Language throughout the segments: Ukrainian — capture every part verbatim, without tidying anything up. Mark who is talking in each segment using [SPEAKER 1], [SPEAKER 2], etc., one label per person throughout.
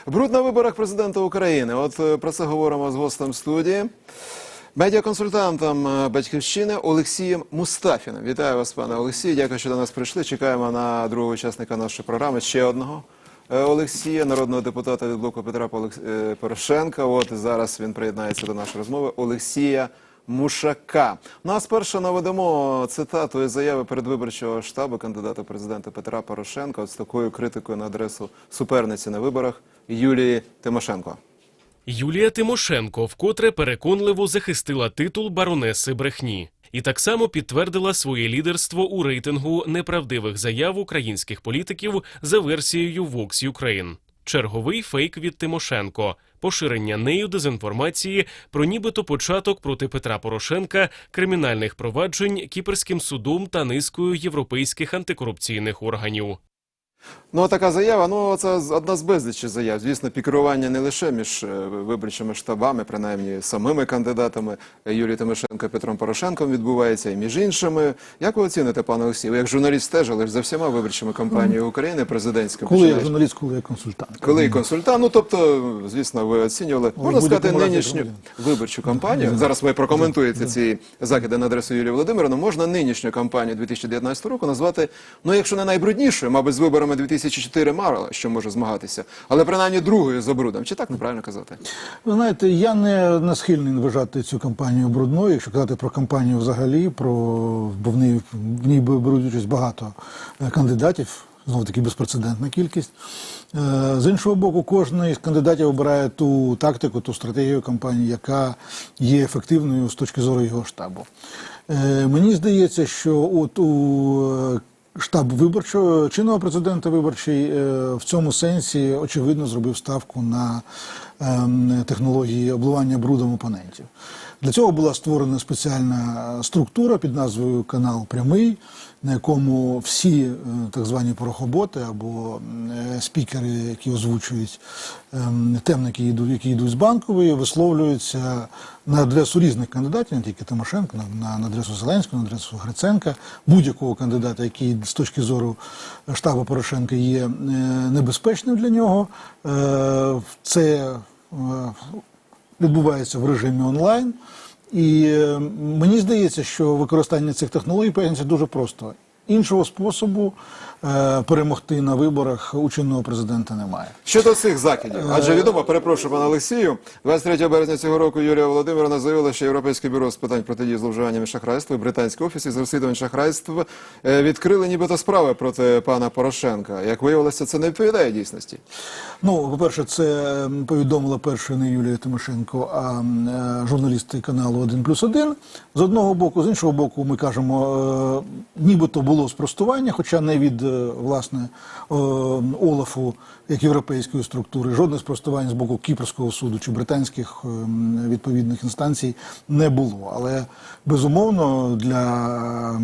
[SPEAKER 1] Бруд на виборах президента України. От про це говоримо з гостем студії, медіаконсультантом «Батьківщини» Олексієм Мустафіним. Вітаю вас, пане Олексію. Дякую, що до нас прийшли. Чекаємо на другого учасника нашої програми, ще одного Олексія, народного депутата від блоку Петра Порошенка. От зараз він приєднається до нашої розмови. Олексія Мушака. Нас перше наведемо цитату із заяви передвиборчого штабу кандидата президента Петра Порошенка от з такою критикою на адресу суперниці на виборах Юлії Тимошенко.
[SPEAKER 2] Юлія Тимошенко вкотре переконливо захистила титул баронеси брехні. І так само підтвердила своє лідерство у рейтингу неправдивих заяв українських політиків за версією Vox Ukraine. Черговий фейк від Тимошенко. Поширення нею дезінформації про нібито початок проти Петра Порошенка кримінальних проваджень Кіпрським судом та низкою європейських антикорупційних органів.
[SPEAKER 1] Ну, така заява, ну, це одна з безлічі заяв. Звісно, пікірування не лише між виборчими штабами, принаймні самими кандидатами Юлії Тимошенко і Петром Порошенком відбувається, і між іншими. Як ви оціните, пане Олексій? Ви як журналіст стежили за всіма виборчими кампаніями України президентськими?
[SPEAKER 3] Коли я журналіст, коли я консультант.
[SPEAKER 1] Коли я консультант, ну, тобто, звісно, ви оцінювали, можна сказати, нинішню виборчу кампанію. Зараз ви прокоментуєте ці закиди на адресу Юлії Володимирівни. Можна нинішню кампанію дві тисячі дев'ятнадцятого року назвати, ну, якщо не найбруднішою, мабуть, з виборами дві тисячі чотири мало що може змагатися, але принаймні другою за брудом. Чи так неправильно казати?
[SPEAKER 3] Ви знаєте, я не, не схильний вважати цю кампанію брудною, якщо казати про кампанію взагалі, про, бо в ній, в ній беруть участь багато кандидатів, знову таки безпрецедентна кількість. З іншого боку, кожен із кандидатів обирає ту тактику, ту стратегію кампанії, яка є ефективною з точки зору його штабу. Мені здається, що от у штаб виборчого, чинного президента виборчий в цьому сенсі, очевидно, зробив ставку на технології обливання брудом опонентів. Для цього була створена спеціальна структура під назвою «Канал Прямий», на якому всі так звані порохоботи або спікери, які озвучують темники, які йдуть з Банкової, висловлюються на адресу різних кандидатів, не тільки Тимошенко, на, на адресу Зеленського, на адресу Гриценка, будь-якого кандидата, який з точки зору штабу Порошенка є небезпечним для нього. Це відбувається в режимі онлайн. І мені здається, що використання цих технологій пояснюється дуже просто. Іншого способу е, перемогти на виборах у чинного президента немає.
[SPEAKER 1] Щодо цих закидів, адже відомо, перепрошую, пане Олексію, двадцять третього березня цього року Юлія Володимирівна заявила, що Європейське бюро з питань протидії зловживанням і шахрайства і Британський офіс із розслідувань шахрайств відкрили нібито справи проти пана Порошенка. Як виявилося, це не відповідає дійсності.
[SPEAKER 3] Ну, по-перше, це повідомила перша не Юлія Тимошенко, а журналісти каналу один плюс один. З одного боку, з іншого боку, ми кажемо, нібито було спростування, хоча не від, власне, Олафу, як європейської структури, жодне спростування з боку Кіпрського суду чи британських відповідних інстанцій не було. Але, безумовно, для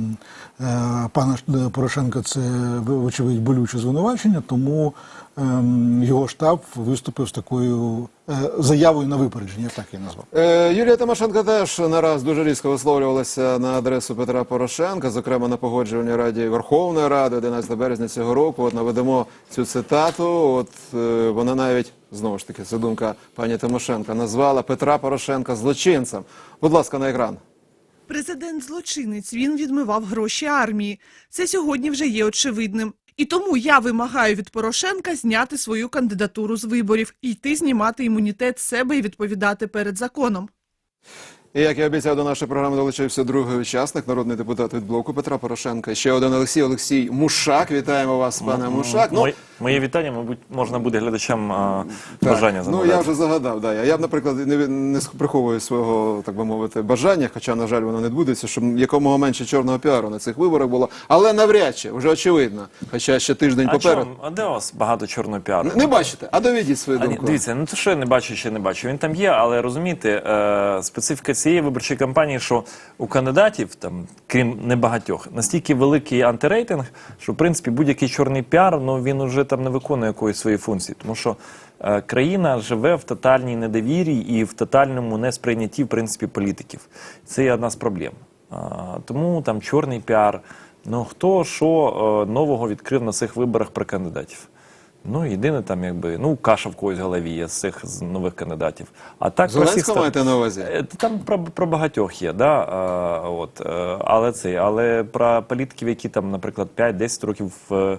[SPEAKER 3] пана Порошенка це, вочевидь, болюче звинувачення, тому його штаб виступив з такою заявою на випередження, так я назвав.
[SPEAKER 1] Е, Юлія Тимошенко теж нараз дуже різко висловлювалася на адресу Петра Порошенка, зокрема на Погоджувальній раді Верховної Ради одинадцятого березня цього року. От наведемо цю цитату. От е, вона навіть, знову ж таки, це думка пані Тимошенко, назвала Петра Порошенка злочинцем. Будь ласка, на екран.
[SPEAKER 4] Президент злочинець, він відмивав гроші армії. Це сьогодні вже є очевидним. І тому я вимагаю від Порошенка зняти свою кандидатуру з виборів, йти знімати імунітет з себе і відповідати перед законом.
[SPEAKER 1] І, як я обіцяв, до нашої програми долучився другий учасник, народний депутат від блоку Петра Порошенка. Ще один Олексій, Олексій Мушак. Вітаємо вас, пане Мушак. Ну,
[SPEAKER 5] Моє вітання, мабуть, можна буде глядачам а, бажання
[SPEAKER 1] загадати. Ну, я вже загадав, да. Я б, наприклад, не, не приховую свого, так би мовити, бажання, хоча, на жаль, воно не відбудеться, щоб якомога менше чорного піару на цих виборах було. Але навряд чи, вже очевидно, хоча ще тиждень
[SPEAKER 5] а
[SPEAKER 1] попереду.
[SPEAKER 5] Чому? А де у вас багато чорного піару?
[SPEAKER 1] Не, не бачите? А доведіть свою думку.
[SPEAKER 5] А, дивіться, ну то що я не бачу, ще не бачу. Він там є, але розумієте, е, специфіка цієї виборчої кампанії, що у кандидатів, там, крім небагатьох, настільки великий антирейтинг, що, в принципі, будь-який чорний піар, ну, він уже там не виконує якоїсь своєї функції. Тому що е, країна живе в тотальній недовірі і в тотальному несприйнятті, в принципі, політиків. Це є одна з проблем. А, тому там чорний піар, ну, хто що е, нового відкрив на цих виборах про кандидатів. Ну, єдине там, якби, ну, каша в когось в голові є з цих з нових кандидатів. А так, про всіх
[SPEAKER 1] Зеленського
[SPEAKER 5] ста-
[SPEAKER 1] маєте на увазі?
[SPEAKER 5] Е, Там про, про багатьох є, да? а, от, е, але це, але про політиків, які там, наприклад, п'ять-десять років в, е,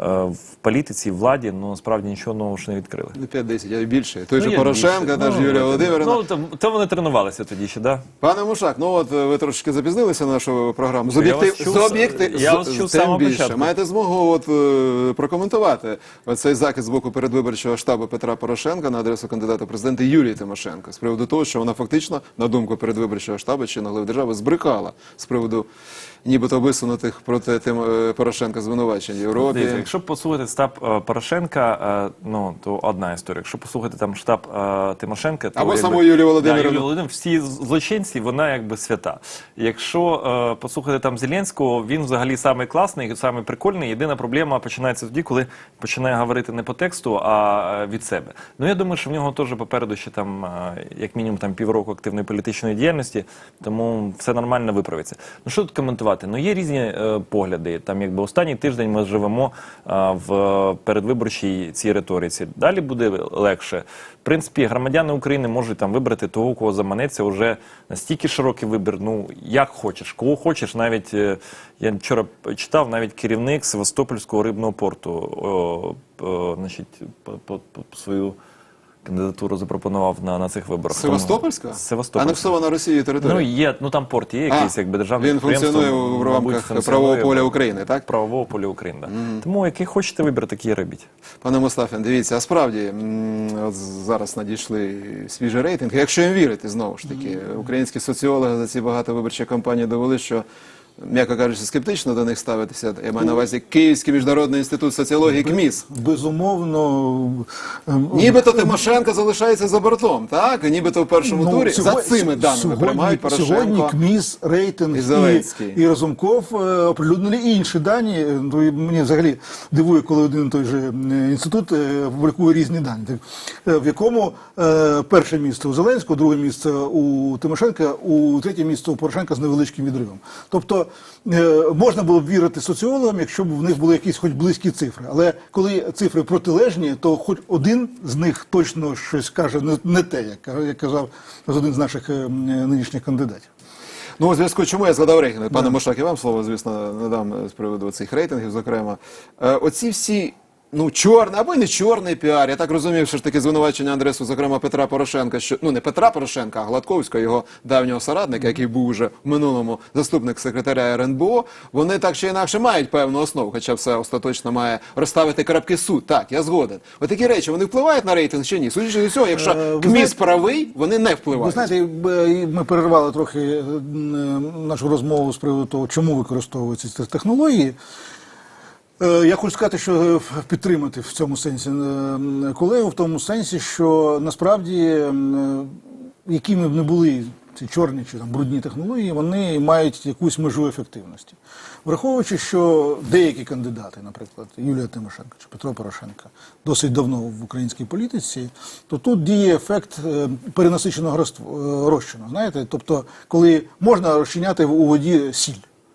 [SPEAKER 5] в політиці, в владі, ну, насправді нічого нового ж не відкрили.
[SPEAKER 1] Не п'ять-десять, а й більше. Той же
[SPEAKER 5] Ну, є
[SPEAKER 1] Порошенко,
[SPEAKER 5] більше.
[SPEAKER 1] та ж
[SPEAKER 5] Ну,
[SPEAKER 1] Юлія
[SPEAKER 5] от,
[SPEAKER 1] Володимирівна.
[SPEAKER 5] Ну, то, то вони тренувалися тоді ще, да?
[SPEAKER 1] Пане Мушак, ну от е, ви трошки запізнилися на нашу програму. З
[SPEAKER 5] Я
[SPEAKER 1] об'єктив,
[SPEAKER 5] вас чув,
[SPEAKER 1] з об'єктив,
[SPEAKER 5] я
[SPEAKER 1] з-
[SPEAKER 5] вас чув з
[SPEAKER 1] тим
[SPEAKER 5] самого
[SPEAKER 1] більше.
[SPEAKER 5] початку.
[SPEAKER 1] Маєте змогу от, е, прокоментувати цей захист з боку передвиборчого штабу Петра Порошенка на адресу кандидата в президенти Юлії Тимошенко з приводу того, що вона фактично, на думку передвиборчого штабу чи глави держави, збрехала з приводу нібито висунутих проти Тим... е, Порошенка звинувачень в Європі.
[SPEAKER 5] Дивіться, якщо послухати штаб е, Порошенка, е, ну, то одна історія. Якщо послухати там штаб е, Тимошенка, то
[SPEAKER 1] Або
[SPEAKER 5] якби,
[SPEAKER 1] саму Юлію Володимирівну.
[SPEAKER 5] Да, Юлію Володимирівну, всі злочинці, вона якби свята. Якщо е, послухати там Зеленського, він взагалі самий класний, самий прикольний. Єдина проблема починається тоді, коли починає говорити не по тексту, а е, від себе. Ну, я думаю, що в нього теж попереду ще там, е, як мінімум, там півроку активної політичної діяльності, тому все нормально виправиться. Ну, що тут коментувати? Ну, є різні е, погляди. Там, якби останній тиждень ми живемо е, в передвиборчій цій риториці. Далі буде легше. В принципі, громадяни України можуть там вибрати того, кого заманеться. Уже настільки широкий вибір. Ну, як хочеш, кого хочеш. Навіть е, я вчора читав, навіть керівник Севастопольського рибного порту, о, о, значить, по, по, по свою кандидатуру запропонував на, на цих виборах.
[SPEAKER 1] Севастопольська?
[SPEAKER 5] Севастопольська.
[SPEAKER 1] Анексована Росією територія?
[SPEAKER 5] Ну, є, ну там порт є якийсь,
[SPEAKER 1] А,
[SPEAKER 5] якби державний
[SPEAKER 1] він
[SPEAKER 5] підприємство,
[SPEAKER 1] функціонує в
[SPEAKER 5] мабуть,
[SPEAKER 1] рамках
[SPEAKER 5] функціонує
[SPEAKER 1] правового поля
[SPEAKER 5] в-
[SPEAKER 1] України, так?
[SPEAKER 5] Правового поля України, да. Тому який хочете вибір, такий робіть.
[SPEAKER 1] Пане Мустафін, дивіться, а справді м, от зараз надійшли свіжі рейтинги. Якщо їм вірити, знову ж таки, українські соціологи за ці багатовиборчі кампанії довели, що, м'яко кажучи, скептично до них ставитися. Я маю на увазі Київський міжнародний інститут соціології КМІС.
[SPEAKER 3] Безумовно. ем,
[SPEAKER 1] Нібито Тимошенко залишається за бортом, так? Нібито в першому
[SPEAKER 3] Ну,
[SPEAKER 1] турі.
[SPEAKER 3] сьогодні-
[SPEAKER 1] За цими даними
[SPEAKER 3] сьогодні,
[SPEAKER 1] приймають Порошенко.
[SPEAKER 3] Сьогодні КМІС, рейтинг
[SPEAKER 1] і
[SPEAKER 3] і,
[SPEAKER 1] Зеленський.
[SPEAKER 3] і Разумков е, оприлюднили інші дані. Ну, і мені взагалі дивує, коли один і той же е, інститут е, публікує різні дані. Так, е, в якому е, перше місце у Зеленського, друге місце у Тимошенка, у третє місце у Порошенка з невеличким відривом. Тобто е, можна було б вірити соціологам, якщо б в них були якісь хоч близькі цифри. Але коли цифри протилежні, то хоч один з них точно щось каже не, не те, як, ка- як казав один з наших е, м, нинішніх кандидатів.
[SPEAKER 1] Ну, у зв'язку з чому я згадав рейтинги. Пане Мушак, я вам слово, звісно, надам з приводу цих рейтингів, зокрема. Е, оці всі, ну, чорний, або й не чорний піар, я так розумів, що ж таки звинувачення адресу, зокрема, Петра Порошенка, що, ну, не Петра Порошенка, а Гладковського, його давнього соратника, який був уже в минулому заступник секретаря ер ен бе о, вони так чи інакше мають певну основу, хоча все остаточно має розставити крапки суд. Так, я згоден. Отакі речі, вони впливають на рейтинг чи ні? Судячи з усього, якщо
[SPEAKER 3] Е, ви
[SPEAKER 1] КМІС
[SPEAKER 3] знаєте-
[SPEAKER 1] правий, вони не
[SPEAKER 3] Ви
[SPEAKER 1] впливають.
[SPEAKER 3] знаєте, б- ми перервали трохи е, м, нашу розмову з приводу того, чому використовуються ці технології. Е, Я хочу сказати, що е, підтримати в цьому сенсі е, колегу, в тому сенсі, що насправді, е, якими б не були ці чорні чи там брудні технології, вони мають якусь межу ефективності. Враховуючи, що деякі кандидати, наприклад, Юлія Тимошенко чи Петро Порошенко, досить давно в українській політиці, то тут діє ефект е, перенасиченого розтв- е, розчину. Знаєте, тобто, коли можна розчиняти у воді сіль.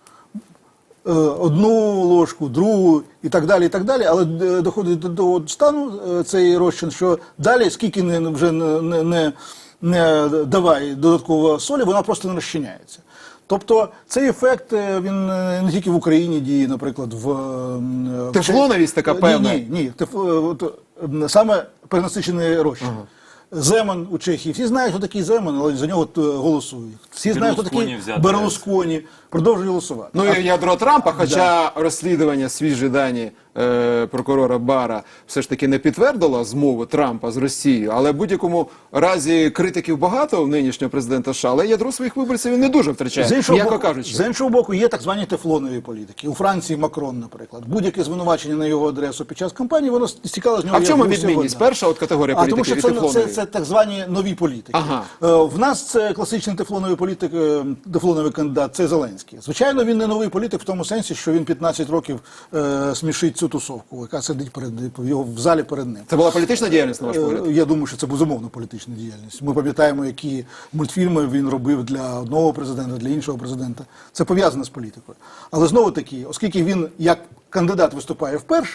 [SPEAKER 3] Е, одну ложку, другу і так далі, і так далі, але е, доходить до того стану е, цей розчин, що далі, скільки не, вже не, не, не, не давай додатково солі, вона просто не розчиняється. Тобто цей ефект, е, він е, не тільки в Україні діє, наприклад, в... е, в-
[SPEAKER 1] Тефлоновість така певна?
[SPEAKER 3] Ні, ні, ні. Теф, е, от, е, саме перенасичений розчин. Ага. Земан у Чехії. Всі знають, хто такий Земан, але за нього е, голосують. Всі знають, хто такий
[SPEAKER 5] Берлусконі взяти.
[SPEAKER 3] Берлусконі. Продовжують голосувати.
[SPEAKER 1] Ну і ядро Трампа, хоча розслідування, свіжі дані е, прокурора Бара все ж таки не підтвердило змову Трампа з Росією, але в будь-якому разі критиків багато у нинішнього президента США, але ядро своїх виборців він не дуже втрачає,
[SPEAKER 3] З іншого,
[SPEAKER 1] м'яко
[SPEAKER 3] боку,
[SPEAKER 1] кажучи.
[SPEAKER 3] з іншого боку, є так звані тефлонові політики. У Франції Макрон, наприклад. Будь-яке звинувачення на його адресу під час кампанії, воно стікало з нього.
[SPEAKER 1] А в
[SPEAKER 3] як
[SPEAKER 1] чому
[SPEAKER 3] гуся
[SPEAKER 1] відмінність?
[SPEAKER 3] вода.
[SPEAKER 1] Перша от категорія
[SPEAKER 3] А тому
[SPEAKER 1] політиків
[SPEAKER 3] що
[SPEAKER 1] і
[SPEAKER 3] це,
[SPEAKER 1] тефлонові.
[SPEAKER 3] це, це так звані нові політики.
[SPEAKER 1] Ага.
[SPEAKER 3] Е, в нас це класичний тефлоновий політик, е, тефлоновий кандидат, це Зеленський. Звичайно, він не новий політик в тому сенсі, що він п'ятнадцять років е, смішить цю тусовку, яка сидить перед його в залі перед ним.
[SPEAKER 1] Це була політична діяльність, на ваш
[SPEAKER 3] Е,
[SPEAKER 1] погляд?
[SPEAKER 3] Я думаю, що це безумовно політична діяльність. Ми пам'ятаємо, які мультфільми він робив для одного президента, для іншого президента. Це пов'язано з політикою. Але знову таки, оскільки він як кандидат виступає вперше,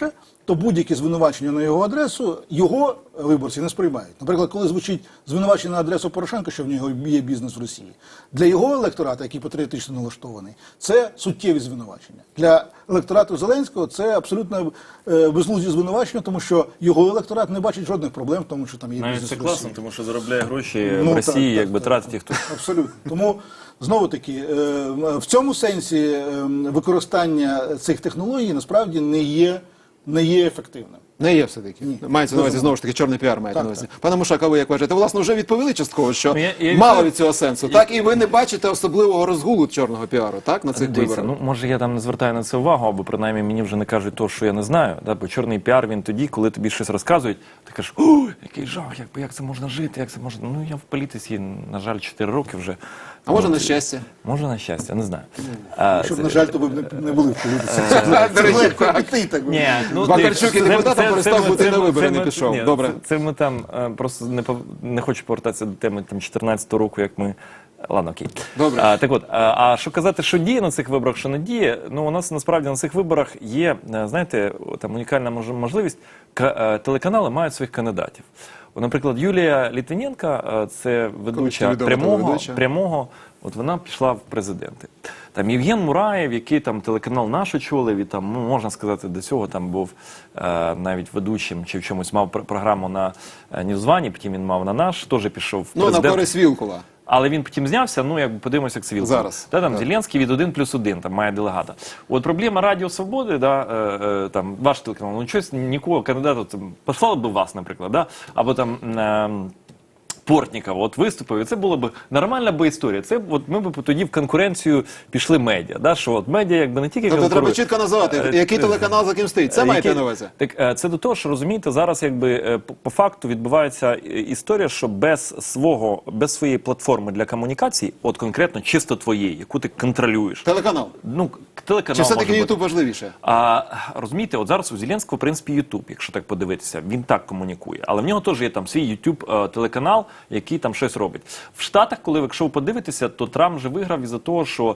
[SPEAKER 3] то будь-які звинувачення на його адресу його виборці не сприймають. Наприклад, коли звучить звинувачення на адресу Порошенка, що в нього є бізнес в Росії, для його електората, який патріотично налаштований, це суттєві звинувачення. Для електорату Зеленського це абсолютно е, безглузді звинувачення, тому що його електорат не бачить жодних проблем в тому, що там є
[SPEAKER 5] Навіть
[SPEAKER 3] бізнес
[SPEAKER 5] це
[SPEAKER 3] в Росії.
[SPEAKER 5] класно, тому що заробляє гроші
[SPEAKER 3] Ну,
[SPEAKER 5] в Росії,
[SPEAKER 3] так, так,
[SPEAKER 5] якби
[SPEAKER 3] так,
[SPEAKER 5] тратить
[SPEAKER 3] так.
[SPEAKER 5] їх тут.
[SPEAKER 3] Абсолютно. Тому, знову-таки, е, в цьому сенсі е, використання цих технологій насправді не є, не є ефективним.
[SPEAKER 1] Не є все-таки. Мається на увазі, знову ж таки, чорний піар мається
[SPEAKER 3] Так,
[SPEAKER 1] на увазі.
[SPEAKER 3] так.
[SPEAKER 1] Пане Мушак, а ви як вважаєте? Власне, вже відповіли частково, що
[SPEAKER 5] Ну, я- я
[SPEAKER 1] мало
[SPEAKER 5] відповів-
[SPEAKER 1] від цього сенсу. Так, і ви не бачите особливого розгулу чорного піару, так, на цих
[SPEAKER 5] Дивіться,
[SPEAKER 1] виборах?
[SPEAKER 5] ну може я там не звертаю на це увагу, або принаймні мені вже не кажуть того, що я не знаю. Да? Бо чорний піар він тоді, коли тобі щось розказують, ти кажеш, о, який жах, як, як це можна жити, як це можна. Ну я в політиці, на жаль, чотири роки вже.
[SPEAKER 1] А може,
[SPEAKER 5] От,
[SPEAKER 1] на щастя?
[SPEAKER 5] Може, на щастя, не знаю. А,
[SPEAKER 3] Щоб,
[SPEAKER 5] це-
[SPEAKER 3] на жаль, то ви б не, не були в політиці.
[SPEAKER 1] До речі,
[SPEAKER 3] Легко
[SPEAKER 1] так.
[SPEAKER 3] піти, так би
[SPEAKER 5] Ні, ну,
[SPEAKER 1] Бакарчук і
[SPEAKER 5] це-
[SPEAKER 1] депутатом
[SPEAKER 5] це-
[SPEAKER 1] перестав
[SPEAKER 5] це-
[SPEAKER 1] бути
[SPEAKER 5] це-
[SPEAKER 1] на вибори,
[SPEAKER 5] це
[SPEAKER 1] не
[SPEAKER 5] ми-
[SPEAKER 1] пішов.
[SPEAKER 5] ні,
[SPEAKER 1] Добре.
[SPEAKER 5] Це, це ми там е, просто не, пов- не хочу повертатися до теми там чотирнадцятого року, як ми. Ладно, окей.
[SPEAKER 1] Добре.
[SPEAKER 5] А, так от, а, а що казати, що діє на цих виборах, що не діє, ну у нас насправді на цих виборах є, е, знаєте, там унікальна мож- можливість, К- е, телеканали мають своїх кандидатів. От, наприклад, Юлія Літвіненка, е, це ведуча
[SPEAKER 1] відома
[SPEAKER 5] прямого,
[SPEAKER 1] телеведуча.
[SPEAKER 5] прямого, от вона пішла в президенти. Там Євген Мураєв, який там телеканал наш очолив, і там, ну, можна сказати, до цього там був е, навіть ведучим чи в чомусь мав пр- програму на е, Ньюзвані, потім він мав на наш, теж пішов в
[SPEAKER 1] Ну, на
[SPEAKER 5] президент.
[SPEAKER 1] користь Вілкула.
[SPEAKER 5] Але він потім знявся, ну, якби подивимося, як це Вілкул.
[SPEAKER 1] Зараз.
[SPEAKER 5] Та, там
[SPEAKER 1] Так.
[SPEAKER 5] Зеленський від один плюс один, там має делегата. От проблема Радіо Свободи, да, е, е, там, ваш телеканал, ну, щось нікого кандидата, там, послали б вас, наприклад, да, або там... Е, Портнікова от виступив, і це була б нормальна би історія. Це от ми б тоді в конкуренцію пішли медіа. Да? Що от медіа якби не тільки
[SPEAKER 1] Тобто треба
[SPEAKER 5] конкурує.
[SPEAKER 1] чітко називати,
[SPEAKER 5] Е,
[SPEAKER 1] який
[SPEAKER 5] е,
[SPEAKER 1] телеканал за ким стоїть. Це
[SPEAKER 5] Е,
[SPEAKER 1] маєте
[SPEAKER 5] які-
[SPEAKER 1] на увазі?
[SPEAKER 5] Так е, це до того, що розумієте, зараз якби е, по- по факту відбувається е, історія, що без свого, без своєї платформи для комунікації, от конкретно чисто твоєї, яку ти контролюєш.
[SPEAKER 1] Телеканал.
[SPEAKER 5] Ну, телеканал
[SPEAKER 1] Чи все-таки
[SPEAKER 5] може бути.
[SPEAKER 1] Ютуб важливіше?
[SPEAKER 5] А розумієте, от зараз у Зеленського, в принципі, Ютуб, якщо так подивитися, він так комунікує. Але в нього теж є там свій Ютуб телеканал, який там щось робить. В Штатах, коли якщо ви подивитеся, то Трамп вже виграв із-за того, що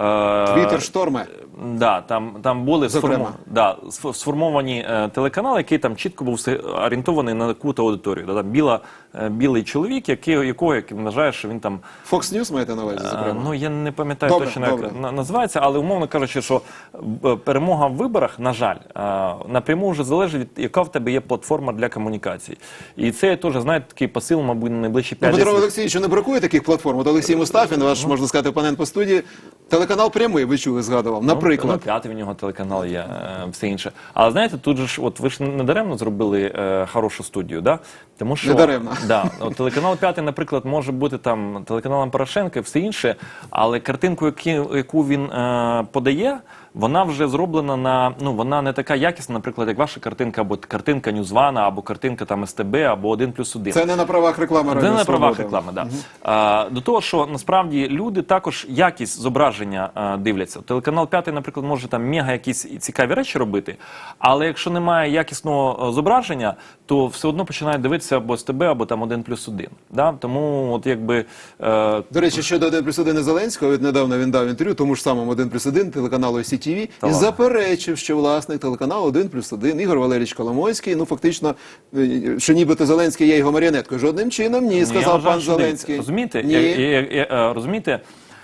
[SPEAKER 5] е,
[SPEAKER 1] Твіттер шторме.
[SPEAKER 5] Да, там, там були
[SPEAKER 1] Зокрема.
[SPEAKER 5] сформу, да, сф- сформовані е, телеканали, який там чітко був все орієнтований на яку-то аудиторію. Да, там біла, е, білий чоловік, який, якого як вважає, що він там.
[SPEAKER 1] Fox News маєте на увазі,
[SPEAKER 5] Е,
[SPEAKER 1] зокрема?
[SPEAKER 5] Ну, я не пам'ятаю
[SPEAKER 1] Добре,
[SPEAKER 5] точно,
[SPEAKER 1] добре.
[SPEAKER 5] як на- називається, але умовно кажучи, що е, перемога в виборах, на жаль, е, напряму вже залежить від яка в тебе є платформа для комунікації. І це теж, знаєте, такий посил, мабуть, на найближчі
[SPEAKER 1] Ну,
[SPEAKER 5] п'ять
[SPEAKER 1] Петро
[SPEAKER 5] десять.
[SPEAKER 1] Олексійовичу не бракує таких платформ. От Олексій Мустафін, ваш, можна сказати, опонент по студії. Телеканал «Прямий», ви чули, згадував,
[SPEAKER 5] Ну,
[SPEAKER 1] наприклад.
[SPEAKER 5] п'ятий в нього телеканал є, е, все інше. Але знаєте, тут же ж, от ви ж не даремно зробили е, хорошу студію, да? Тому що
[SPEAKER 1] Недаремно.
[SPEAKER 5] Да, от телеканал п'ятий, наприклад, може бути там телеканалом Порошенка і все інше, але картинку, які, яку він е, подає, вона вже зроблена на, ну, вона не така якісна, наприклад, як ваша картинка, або картинка Ньюзвана, або картинка там ес те бе, або один плюс один.
[SPEAKER 1] Це не на правах реклами
[SPEAKER 5] Це
[SPEAKER 1] Радіо
[SPEAKER 5] не на правах
[SPEAKER 1] Свобода.
[SPEAKER 5] реклами, да. А, до того, що насправді люди також якість зображення а, дивляться. Телеканал п'ятий, наприклад, може там мега якісь цікаві речі робити, але якщо немає якісного а, зображення, то все одно починають дивитися або ес те бе, або там один плюс один. Да? Тому от якби... Е,
[SPEAKER 1] До речі, щодо один плюс один Зеленського, від недавно він дав інтерв'ю тому ж самому один плюс один телеканалу сі ті ві і
[SPEAKER 5] ладно.
[SPEAKER 1] заперечив, що власник телеканалу один плюс один Ігор Валерійович Коломойський, ну фактично, е, що нібито Зеленський є його маріонеткою. Жодним чином ні,
[SPEAKER 5] я
[SPEAKER 1] сказав
[SPEAKER 5] вважаю,
[SPEAKER 1] пан
[SPEAKER 5] що дивіться,
[SPEAKER 1] Зеленський.
[SPEAKER 5] Розумієте?
[SPEAKER 1] Ні.
[SPEAKER 5] Я, я, я, я, розумієте?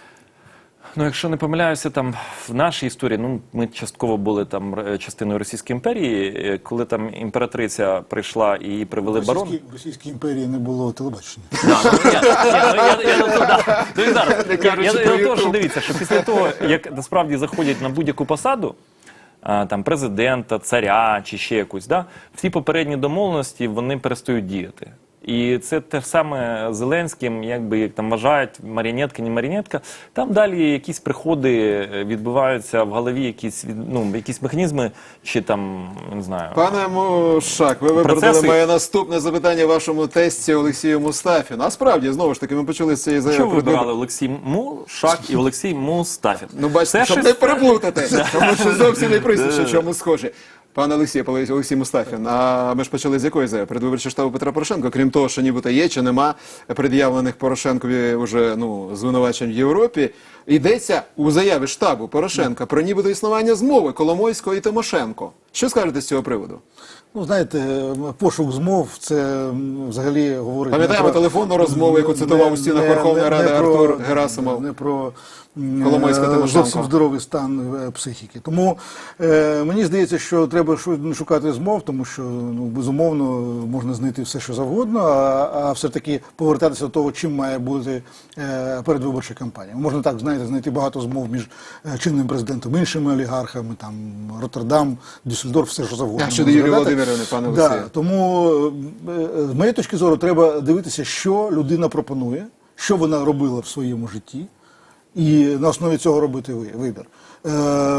[SPEAKER 5] Ну, якщо не помиляюся, там в нашій історії, ну ми частково були там р- частиною Російської імперії, е, коли там імператриця прийшла і її привели
[SPEAKER 3] В
[SPEAKER 5] барон.
[SPEAKER 3] Російській, в Російській імперії не було телебачення.
[SPEAKER 5] Да, ну, я- я- ну, я- я до того, да. Ну, і зараз.
[SPEAKER 1] Не
[SPEAKER 5] Я-
[SPEAKER 1] кажучи
[SPEAKER 5] Я
[SPEAKER 1] про
[SPEAKER 5] до того, що
[SPEAKER 1] YouTube.
[SPEAKER 5] дивіться, що після того, як насправді заходять на будь-яку посаду, а, там президента, царя чи ще якусь, да, всі попередні домовленості вони перестають діяти. І це те ж саме з Зеленським, якби як там вважають, маріонетка, не маріонетка. Там далі якісь приходи відбуваються в голові, якісь від- ну, якісь механізми, чи там не знаю.
[SPEAKER 1] Пане Мушак, ви виправдали
[SPEAKER 5] Процеси-
[SPEAKER 1] моє наступне запитання вашому тесті Олексію Мустафіну. А справді, знову ж таки, ми почали з цієї
[SPEAKER 5] Що
[SPEAKER 1] заяви.
[SPEAKER 5] ви вибирали Олексій Мушак і Олексій Мустафін?
[SPEAKER 1] Ну, бачите,
[SPEAKER 5] Це
[SPEAKER 1] щоб
[SPEAKER 5] щось-
[SPEAKER 1] не переплутати, тому що зовсім не прізвище, в чому схоже. Пане Олексій, Олексій Олексій Мустафін, а ми ж почали з якої заяви? Передвиборчого штабу Петра Порошенка, крім того, що нібито є чи нема пред'явлених Порошенкові вже ну, звинувачень в Європі, йдеться у заяві штабу Порошенка про нібито існування змови Коломойського і Тимошенко. Що скажете з цього приводу?
[SPEAKER 3] Ну, знаєте, пошук змов, це м, взагалі говорить...
[SPEAKER 1] Пам'ятаємо
[SPEAKER 3] не про-
[SPEAKER 1] телефонну розмову, яку
[SPEAKER 3] не-
[SPEAKER 1] цитував у стінах
[SPEAKER 3] не-
[SPEAKER 1] Верховної
[SPEAKER 3] не-
[SPEAKER 1] Ради
[SPEAKER 3] не про-
[SPEAKER 1] Артур Герасимов.
[SPEAKER 3] Не про м,
[SPEAKER 1] Коломойська,
[SPEAKER 3] е,
[SPEAKER 1] Тимошенко.
[SPEAKER 3] зовсім здоровий стан е, психіки. Тому е, мені здається, що треба шу- шукати змов, тому що, ну, безумовно, можна знайти все, що завгодно, а, а все-таки повертатися до того, чим має бути е, передвиборча кампанія. Можна так, знаєте, знайти багато змов між е, чинним президентом, іншими олігархами, там, Роттердам, Дюссельдорф, все, що завгодно.
[SPEAKER 1] А щодо Юлії
[SPEAKER 3] Можна згадати.
[SPEAKER 1] Володимирівни, пане
[SPEAKER 3] Да,
[SPEAKER 1] Олексію?
[SPEAKER 3] тому, е, з моєї точки зору, треба дивитися, що людина пропонує, що вона робила в своєму житті, і на основі цього робити ви- вибір. Е,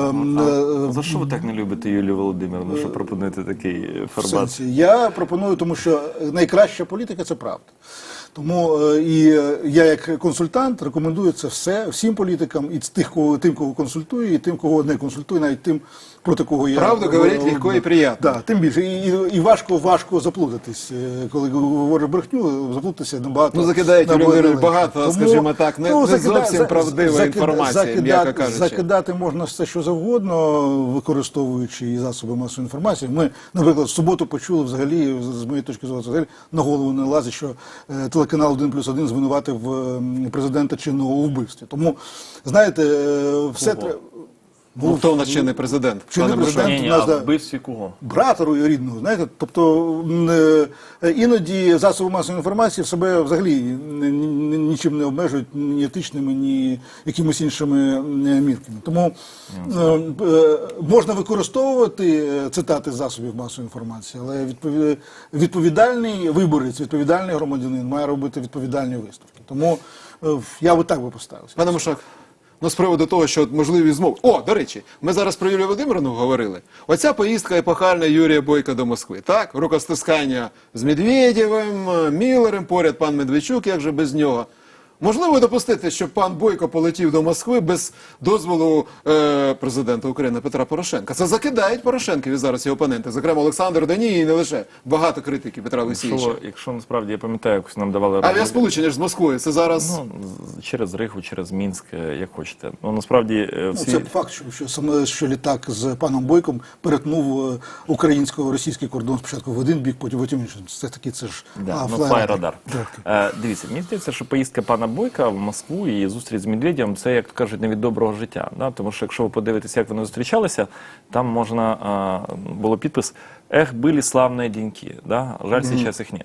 [SPEAKER 3] е,
[SPEAKER 5] За що ви так не любите Юлію Володимирівну, що пропонуєте такий
[SPEAKER 3] в
[SPEAKER 5] формат?
[SPEAKER 3] сенсі. Я пропоную, тому що найкраща політика – це правда. Тому е, і е, я як консультант рекомендую це все всім політикам, і з тих, кого, тим, кого консультую, і тим, кого не консультую, навіть тим, проти кого я...
[SPEAKER 1] Правду говорить легко і приємно.
[SPEAKER 3] Да, тим більше. І, і, і важко, важко заплутатись. Е, Коли говориш брехню, заплутатися набагато...
[SPEAKER 1] Ну, закидають Юлію
[SPEAKER 3] набагато
[SPEAKER 1] Володимирівну
[SPEAKER 3] легше.
[SPEAKER 1] багато, скажімо так, не- не зовсім
[SPEAKER 3] за-
[SPEAKER 1] правдива
[SPEAKER 3] закида-
[SPEAKER 1] інформація,
[SPEAKER 3] закида-
[SPEAKER 1] м'яко кажучи.
[SPEAKER 3] Закидати можна все, що завгодно, використовуючи і засоби масової інформації. Ми, наприклад, в суботу почули взагалі, з моєї точки зору, взагалі на голову не лазить, що е, телеканал один плюс один звинуватив е, президента чинного у вбивстві. Тому, знаєте, е, все треба...
[SPEAKER 1] Ну, хто у нас ще не президент?
[SPEAKER 3] Чинний
[SPEAKER 1] пане
[SPEAKER 3] президент.
[SPEAKER 1] Мушак?
[SPEAKER 5] Ні, ні,
[SPEAKER 3] у нас,
[SPEAKER 5] а
[SPEAKER 3] да.
[SPEAKER 5] в вбивстві кого?
[SPEAKER 3] Брата рідного, знаєте, тобто м, е, іноді засоби масової інформації в себе взагалі ні- ні- нічим не обмежують, ні етичними, ні якимись іншими е, мірками. Тому е, е, можна використовувати е, цитати з засобів масової інформації, але відпові- відповідальний виборець, відповідальний громадянин має робити відповідальні висновки. Тому е, я би так би поставився.
[SPEAKER 1] Пане Мушак, ну з приводу того, що от можливі змови. О, до речі, ми зараз про Юлію Володимирівну говорили. Оця поїздка епохальна Юрія Бойка до Москви. Так, рукостискання з Медведєвим, Міллером, поряд пан Медведчук, як же без нього. Можливо допустити, щоб пан Бойко полетів до Москви без дозволу е, президента України Петра Порошенка. Це закидають Порошенкові зараз його опоненти. Зокрема, Олександр Даній і не лише. Багато критики Петра Олексійовича.
[SPEAKER 5] Якщо, якщо насправді я пам'ятаю, якось нам давали розмови-
[SPEAKER 1] Авіасполучення ж з Москвою. Це зараз...
[SPEAKER 5] Ну, з- через Ригу, через Мінськ, е, як хочете. Ну, насправді, е,
[SPEAKER 3] Ну,
[SPEAKER 5] всі...
[SPEAKER 3] це факт, що, що саме що літак з паном Бойком перетнув е, українсько-російський кордон спочатку в один бік, потім в інший. Це таки це ж
[SPEAKER 5] Да,
[SPEAKER 3] а,
[SPEAKER 5] ну,
[SPEAKER 3] флай-
[SPEAKER 5] флай-радар.
[SPEAKER 3] Так.
[SPEAKER 5] Е, дивіться, мені здається, що поїздка пана Бойка в Москву і зустріч з Медведєвим – це, як кажуть, не від доброго життя. Да? Тому що, якщо ви подивитеся, як вони зустрічалися, там можна, а, було підпис «Ех, були славні деньки». Да? Жаль, зараз їх нет.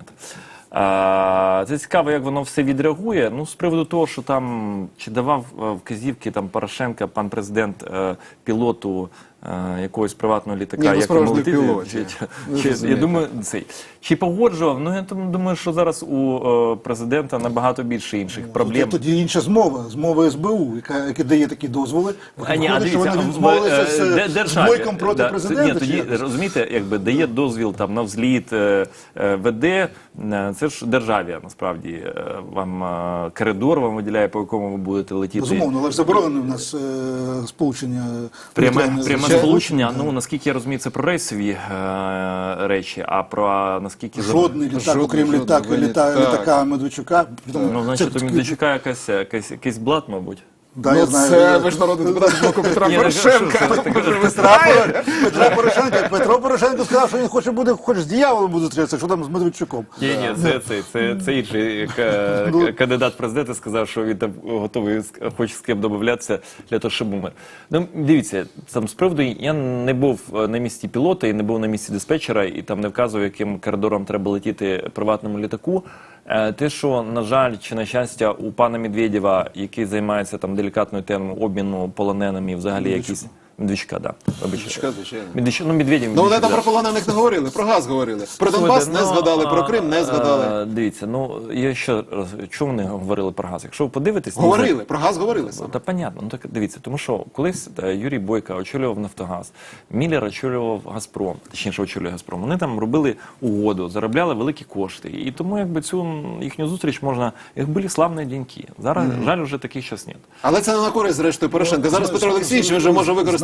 [SPEAKER 5] А, це цікаво, як воно все відреагує. Ну, з приводу того, що там, чи давав е, вказівки там Порошенка, пан президент, е, пілоту е, якогось приватного літака,
[SPEAKER 1] Ні, ну,
[SPEAKER 5] як йому
[SPEAKER 1] справжній
[SPEAKER 5] летіти,
[SPEAKER 1] пілот,
[SPEAKER 5] чи-
[SPEAKER 1] я.
[SPEAKER 5] чи-
[SPEAKER 1] Ви
[SPEAKER 5] чи- я
[SPEAKER 1] розумієте.
[SPEAKER 5] думаю, цей. Чи погоджував? Ну, я там думаю, що зараз у е, президента набагато більше інших проблем.
[SPEAKER 3] Тоді, тоді інша змова, змова ес бе у, яка, яка дає такі дозволи.
[SPEAKER 5] А, ні, а
[SPEAKER 3] Виходить, що
[SPEAKER 5] дивіться,
[SPEAKER 3] вони
[SPEAKER 5] а,
[SPEAKER 3] відмовилися
[SPEAKER 5] е,
[SPEAKER 3] з,
[SPEAKER 5] де-
[SPEAKER 3] з
[SPEAKER 5] державі,
[SPEAKER 3] Бойком проти
[SPEAKER 5] да,
[SPEAKER 3] президента.
[SPEAKER 5] Ні,
[SPEAKER 3] чи
[SPEAKER 5] тоді,
[SPEAKER 3] як?
[SPEAKER 5] розумієте, якби дає дозвіл там на взліт, е, е, веде, е, це ж державі, насправді, е, вам е, коридор вам виділяє, по якому ви будете летіти.
[SPEAKER 3] Безумовно, але ж заборонено в нас е, сполучення.
[SPEAKER 5] Пряме,
[SPEAKER 3] повітряне
[SPEAKER 5] пряме
[SPEAKER 3] з-
[SPEAKER 5] сполучення,
[SPEAKER 3] Да.
[SPEAKER 5] ну, наскільки я розумію, це про рейсові е, речі, а про наскільки... за-
[SPEAKER 3] Жодний літак,
[SPEAKER 1] Жодний,
[SPEAKER 3] окрім
[SPEAKER 1] жодний
[SPEAKER 3] літака,
[SPEAKER 1] виняток.
[SPEAKER 3] літа,
[SPEAKER 1] Так.
[SPEAKER 3] літака Медведчука.
[SPEAKER 5] Ну, значить,
[SPEAKER 3] Це-
[SPEAKER 5] у Медведчука якась, якась, якийсь блат, мабуть.
[SPEAKER 3] Да,
[SPEAKER 1] ну,
[SPEAKER 3] я знаю.
[SPEAKER 1] це
[SPEAKER 3] Я-
[SPEAKER 1] ви ж народний депутат з боку Петра
[SPEAKER 5] Ні, так, що
[SPEAKER 1] Порошенка.
[SPEAKER 5] це таке?
[SPEAKER 1] Може, ви
[SPEAKER 3] Петра,
[SPEAKER 1] знаєте?
[SPEAKER 3] Поро- Петра Порошенка. Петро Порошенко сказав, що він хоче буде, хоч з дияволом буде зустрічатися, що там з Медведчуком.
[SPEAKER 5] Ні, ні, це, це, це, це інший е,
[SPEAKER 3] Ну.
[SPEAKER 5] к- кандидат в президенти сказав, що він там готовий, з- хоче з ким домовлятися для того, щоб умер. Ну, дивіться, там з приводу, я не був на місці пілота і не був на місці диспетчера, і там не вказував, яким коридором треба летіти приватному літаку. Е, Те, що, на жаль, чи на щастя, у пана Медведєва, який займається там делікатною темою обміну полоненими, взагалі якісь... Медведчука, да.
[SPEAKER 1] Медведчука, звичайно.
[SPEAKER 5] Медведчук, ну, Медведєв,
[SPEAKER 1] Ну, вони
[SPEAKER 5] Медведчук,
[SPEAKER 1] там
[SPEAKER 5] да.
[SPEAKER 1] про полонених не говорили, про газ говорили. Про Донбас
[SPEAKER 5] Слухайте,
[SPEAKER 1] не
[SPEAKER 5] ну,
[SPEAKER 1] згадали, про
[SPEAKER 5] а,
[SPEAKER 1] Крим не згадали.
[SPEAKER 5] а, Дивіться, ну я ще раз, чому вони говорили про газ? Якщо ви подивитесь,
[SPEAKER 1] Говорили, про газ говорили
[SPEAKER 5] Ну,
[SPEAKER 1] саме.
[SPEAKER 5] та понятно, ну так дивіться, тому що колись е, Юрій Бойко очолював Нафтогаз, Міллер очолював Газпром, точніше очолює Газпром. Вони там робили угоду, заробляли великі кошти. І тому якби цю м, їхню зустріч можна, як були славні деньки. Зараз, жаль, вже таких час нет.
[SPEAKER 1] Але це не на користь, зрештою, Порошенка. Зараз
[SPEAKER 3] Ну,
[SPEAKER 1] Петро Олексійович вже може використати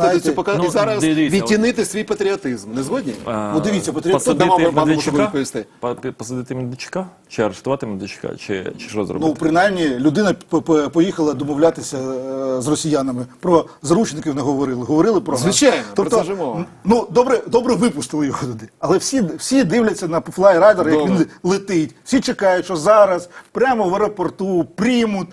[SPEAKER 1] використати
[SPEAKER 3] знаєте,
[SPEAKER 1] цю пока
[SPEAKER 5] ну,
[SPEAKER 1] і зараз
[SPEAKER 5] дивіться,
[SPEAKER 1] відтінити свій патріотизм. Не згодні?
[SPEAKER 3] Ну, дивіться, потрібно-
[SPEAKER 5] посадити
[SPEAKER 1] Дамо пану
[SPEAKER 5] Медведчука,
[SPEAKER 1] Мушаку відповісти.
[SPEAKER 5] па- посадити Медведчука, чи арештувати Медведчука, чи, чи що зробити?
[SPEAKER 3] Ну, принаймні, людина п- п- поїхала домовлятися е, з росіянами. Про заручників не говорили, говорили про газ.
[SPEAKER 1] Звичайно, про це ж мова.
[SPEAKER 3] м, Ну, добре, добре випустили його туди. Але всі, всі дивляться на флайрайдер, як
[SPEAKER 1] Добре.
[SPEAKER 3] він летить. Всі чекають, що зараз прямо в аеропорту приймуть.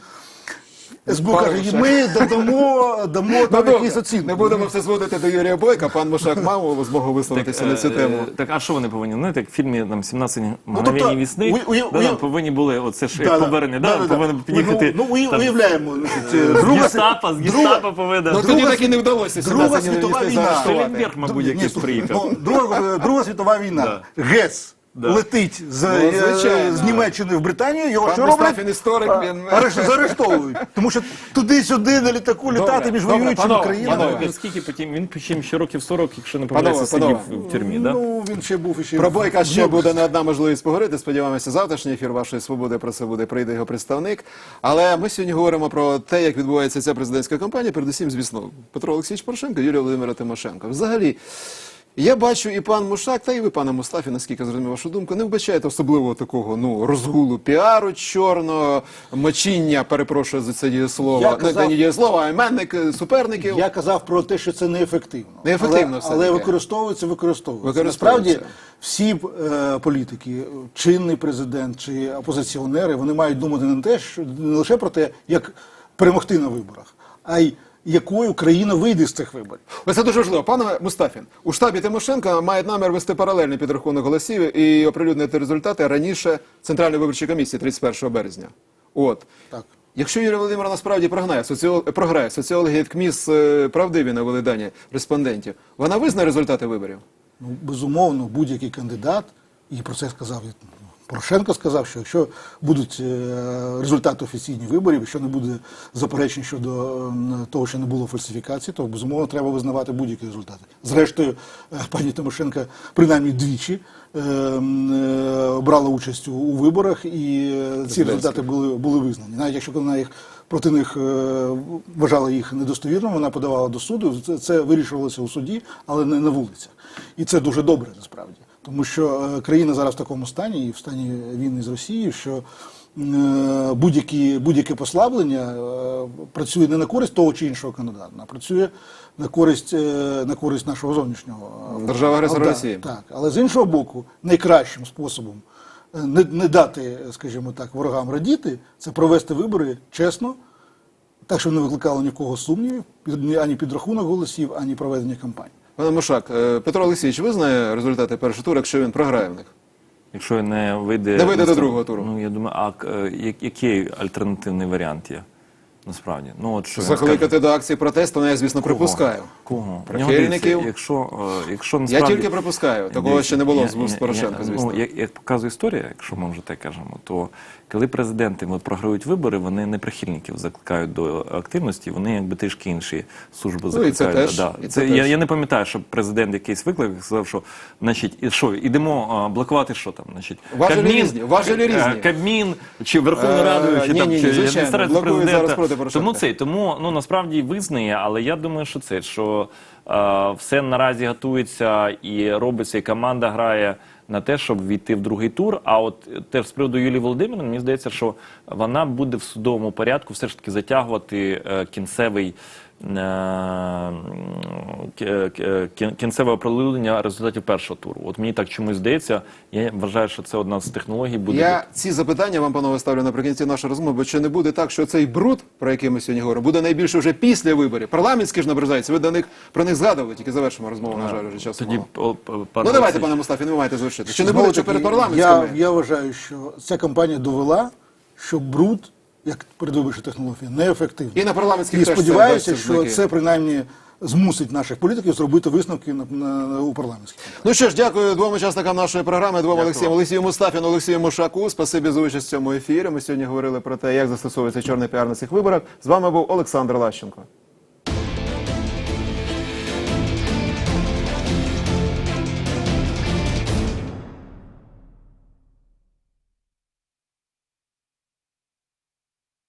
[SPEAKER 3] ес бе у
[SPEAKER 1] Пане
[SPEAKER 3] каже,
[SPEAKER 1] Мушак.
[SPEAKER 3] ми додамо, дамо
[SPEAKER 1] Ну,
[SPEAKER 3] там
[SPEAKER 1] добре,
[SPEAKER 3] якісь оцінки.
[SPEAKER 1] не будемо все зводити до Юрія Бойка. Пан Мушак мав змогу висловитися на цю
[SPEAKER 5] е,
[SPEAKER 1] тему.
[SPEAKER 5] е, Так, а що вони повинні? Знаєте, як в фільмі там «сімнадцять
[SPEAKER 3] тобто,
[SPEAKER 5] мгновень весни»,
[SPEAKER 3] уя- уя-
[SPEAKER 5] да,
[SPEAKER 3] уя-
[SPEAKER 5] там повинні були, оце ж як
[SPEAKER 3] Да-да,
[SPEAKER 5] повернення, да,
[SPEAKER 3] да-да-да.
[SPEAKER 5] повинен під'їхати.
[SPEAKER 3] Ну, ну, уя-
[SPEAKER 5] там,
[SPEAKER 3] уявляємо, значить, е,
[SPEAKER 5] з
[SPEAKER 3] друга,
[SPEAKER 5] гестапо, з
[SPEAKER 3] друга-
[SPEAKER 5] гестапо повинен.
[SPEAKER 1] Ну,
[SPEAKER 3] друга
[SPEAKER 1] тоді так і
[SPEAKER 3] світ-
[SPEAKER 1] не вдалося
[SPEAKER 3] Друга
[SPEAKER 1] сімнадцять
[SPEAKER 3] світова
[SPEAKER 1] невісти
[SPEAKER 3] війна.
[SPEAKER 1] заарештувати.
[SPEAKER 5] Шелленберг, мабуть,
[SPEAKER 3] Ні,
[SPEAKER 5] якийсь
[SPEAKER 3] слухай,
[SPEAKER 5] приїхав.
[SPEAKER 3] ну, друга, друга світова війна. ГЕС летить з,
[SPEAKER 1] Ну,
[SPEAKER 3] е,
[SPEAKER 1] звичайно.
[SPEAKER 3] з Німеччини в Британію, його
[SPEAKER 1] Пан
[SPEAKER 3] що
[SPEAKER 1] Мустафін
[SPEAKER 3] роблять?
[SPEAKER 1] історик,
[SPEAKER 3] А,
[SPEAKER 1] він-
[SPEAKER 3] арешт- Заарештовують. Тому що туди-сюди на літаку літати між
[SPEAKER 1] добре,
[SPEAKER 3] воюючими
[SPEAKER 1] панове,
[SPEAKER 3] країнами.
[SPEAKER 1] панове.
[SPEAKER 5] Він скільки потім, він потім ще років сорок, якщо не
[SPEAKER 1] Панове,
[SPEAKER 5] помиляюся, сидів
[SPEAKER 1] панове.
[SPEAKER 5] в тюрмі, да?
[SPEAKER 3] Ну, він ще був іще.
[SPEAKER 1] Про Бойка ще
[SPEAKER 3] Ну,
[SPEAKER 1] буде не одна можливість поговорити. Сподіваємося, завтрашній ефір вашої свободи про це буде, прийде його представник. Але ми сьогодні говоримо про те, як відбувається ця президентська кампанія, передусім, звісно, Петро Олексійович Порошенко, Юлія Володимира Тимошенко. Взагалі, я бачу і пан Мушак, та і ви, пане Мустафі, наскільки зрозумів вашу думку, не вбачаєте особливого такого ну розгулу піару чорного, мочіння, перепрошую за це дієслово,
[SPEAKER 3] Я
[SPEAKER 1] не,
[SPEAKER 3] казав-
[SPEAKER 1] не дієслово, а іменник е, суперників.
[SPEAKER 3] Я казав про те, що це неефективно.
[SPEAKER 1] Неефективно
[SPEAKER 3] але,
[SPEAKER 1] все-таки.
[SPEAKER 3] але використовується, використовується.
[SPEAKER 1] Використовується.
[SPEAKER 3] Насправді, всі е, політики, чинний президент чи опозиціонери, вони мають думати не те, що не лише про те, як перемогти на виборах, а й якою країна вийде з цих виборів.
[SPEAKER 1] Ось це дуже важливо. Пане Мустафін, у штабі Тимошенка мають намір вести паралельний підрахунок голосів і оприлюднити результати раніше Центральної виборчої комісії тридцять першого березня. От.
[SPEAKER 3] Так.
[SPEAKER 1] Якщо Юлія Володимирівна насправді програє, соціол... програє, соціологи КМІС е, правдиві навели дані респондентів, вона визнає результати виборів?
[SPEAKER 3] Ну, безумовно, будь-який кандидат, і про це сказав і Порошенко сказав, що якщо будуть е, результати офіційних виборів, якщо не буде заперечень щодо е, того, що не було фальсифікації, то безумовно треба визнавати будь-які результати. Зрештою, е, пані Тимошенко принаймні двічі е, е, брала участь у, у виборах, і е, ці результати були, були визнані. Навіть якщо вона їх проти них е, вважала їх недостовірними, вона подавала до суду, це, це вирішувалося у суді, але не на вулицях. І це дуже добре, насправді. Тому що е, країна зараз в такому стані, і в стані війни з Росією, що е, будь-які, будь-яке послаблення е, працює не на користь того чи іншого кандидата, а працює на користь, е, на користь нашого зовнішнього. е,
[SPEAKER 1] Держави-агресора
[SPEAKER 3] да,
[SPEAKER 1] Росії.
[SPEAKER 3] Так, але з іншого боку, найкращим способом е, не, не дати, скажімо так, ворогам радіти, це провести вибори чесно, так, щоб не викликало ні в кого сумнівів, ні- ані підрахунок голосів, ані проведення кампанії.
[SPEAKER 1] Пане Мушак, е, Петро Олексійович визнає результати першого туру, якщо він програє в них?
[SPEAKER 5] Якщо не вийде...
[SPEAKER 1] Не вийде до
[SPEAKER 5] наступ-
[SPEAKER 1] другого туру.
[SPEAKER 5] Ну, я думаю, а е, я- який альтернативний варіант є? Насправді. Ну, от що він
[SPEAKER 1] Закликати
[SPEAKER 5] скаже.
[SPEAKER 1] до акції протесту, ну, я, звісно,
[SPEAKER 5] Кого?
[SPEAKER 1] припускаю.
[SPEAKER 5] Кого?
[SPEAKER 1] Прихильників.
[SPEAKER 5] Дивіться, Якщо, е, якщо
[SPEAKER 1] Я
[SPEAKER 5] насправді...
[SPEAKER 1] тільки припускаю, такого
[SPEAKER 5] Дивіться,
[SPEAKER 1] ще не було
[SPEAKER 5] я-
[SPEAKER 1] з вуст
[SPEAKER 5] я-
[SPEAKER 1] Порошенка,
[SPEAKER 5] я-
[SPEAKER 1] звісно.
[SPEAKER 5] Ну, як, як показує історія, якщо ми вже так кажемо, то коли президенти от, програють вибори, вони не прихильників закликають до активності, вони якби трішки інші служби
[SPEAKER 1] Ну, і
[SPEAKER 5] закликають.
[SPEAKER 1] це теж,
[SPEAKER 5] Да.
[SPEAKER 1] і
[SPEAKER 5] Це,
[SPEAKER 1] це
[SPEAKER 5] я,
[SPEAKER 1] теж.
[SPEAKER 5] я не пам'ятаю, щоб президент якийсь виклик сказав, що значить, і що, ідемо а, блокувати що там? Значить,
[SPEAKER 1] Важелі різні, важелі
[SPEAKER 5] е,
[SPEAKER 1] різні.
[SPEAKER 5] Кабмін, чи Верховну
[SPEAKER 1] Е,
[SPEAKER 5] Раду, чи
[SPEAKER 1] ні,
[SPEAKER 5] там,
[SPEAKER 1] ні, ні,
[SPEAKER 5] чи
[SPEAKER 1] звичайно,
[SPEAKER 5] адміністрацію
[SPEAKER 1] блокують
[SPEAKER 5] президента.
[SPEAKER 1] зараз проти Порошенка.
[SPEAKER 5] Тому це, тому ну, насправді визнає, але я думаю, що це, що е, все наразі готується і робиться, і команда грає на те, щоб війти в другий тур. А от теж з приводу Юлії Володимирівни, мені здається, що вона буде в судовому порядку все ж таки затягувати е, кінцевий е, кі- кі- кінцеве оприлюднення результатів першого туру. От мені так чомусь здається, я вважаю, що це одна з технологій буде.
[SPEAKER 1] Я ці запитання вам, панове, ставлю наприкінці нашої розмови, бо чи не буде так, що цей бруд, про який ми сьогодні говоримо, буде найбільше вже після виборів. Парламентські ж наближаються, ви до них, про них згадували, тільки завершимо розмову, на жаль, вже часу
[SPEAKER 5] Тоді,
[SPEAKER 1] мало.
[SPEAKER 5] о, п- пане
[SPEAKER 1] Ну давайте,
[SPEAKER 5] Олексій.
[SPEAKER 1] пане Мустафін, ви маєте завершити. Чи не
[SPEAKER 3] Знову
[SPEAKER 1] буде що
[SPEAKER 3] таки,
[SPEAKER 1] перед парламентськими?
[SPEAKER 3] Я, я вважаю, що ця кампанія довела, що бруд, як передвиборча технологія, неефективна.
[SPEAKER 1] І на парламентських
[SPEAKER 3] І
[SPEAKER 1] теж це
[SPEAKER 3] сподіваюся,
[SPEAKER 1] дасть
[SPEAKER 3] що
[SPEAKER 1] знаки.
[SPEAKER 3] це принаймні змусить наших політиків зробити висновки на, на, на, у парламентських.
[SPEAKER 1] Ну що ж, дякую двом учасникам нашої програми, двом Олексіям, Олексію Мустафіну, Олексію Мушаку. Спасибі за участь в цьому ефірі. Ми сьогодні говорили про те, як застосовується чорний піар на цих виборах. З вами був Олександр Лащенко.